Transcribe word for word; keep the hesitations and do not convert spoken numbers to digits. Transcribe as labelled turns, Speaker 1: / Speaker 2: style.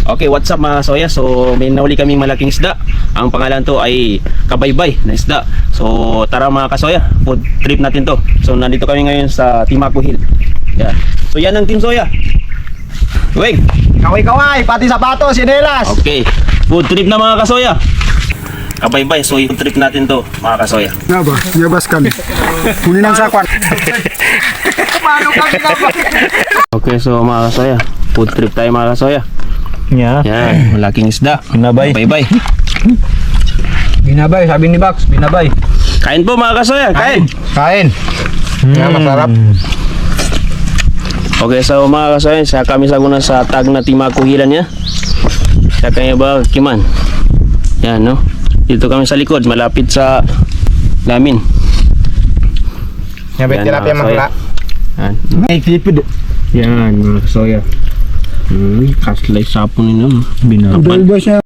Speaker 1: Okay, what's up mga kasoya? So may nahuli kaming malaking isda. Ang pangalan to ay kabaybay na isda. So tara mga kasoya, food trip natin to. So nandito kami ngayon sa Timaco Hill. Yeah. So yan ang Team Soya. Weng!
Speaker 2: Kaway-kaway, pati sapatos, sinelas.
Speaker 1: Okay, food trip na mga kasoya. Kabaybay, so food trip natin to mga kasoya.
Speaker 2: Nga ba? Yabas kami. Kunin ang sakwan. Paano kami nga ba?
Speaker 1: Okay, so mga kasoya, food trip tayo mga kasoya.
Speaker 3: Yeah.
Speaker 1: Yan, malaking isda.
Speaker 3: Binabay.
Speaker 1: Kabaybay.
Speaker 2: Binabay, sabi ni Bax, binabay.
Speaker 1: Kain po mga kasoya, kain.
Speaker 2: Kain. Nga, masarap.
Speaker 1: Okay, so mga kasoya, sa kami sa guna sa tag na Timaco Hill niya. Sa kanya ba Kiman. Yan, no? Dito kami sa likod, malapit sa lamin.
Speaker 2: Nga,
Speaker 1: Yan,
Speaker 2: tilapia
Speaker 1: mga
Speaker 2: mahula.
Speaker 1: Yan.
Speaker 2: May tipid.
Speaker 1: Yan, mga kasoya. Hmm, kaslay sapon nino.
Speaker 3: Binabay.
Speaker 2: Bulbo siya.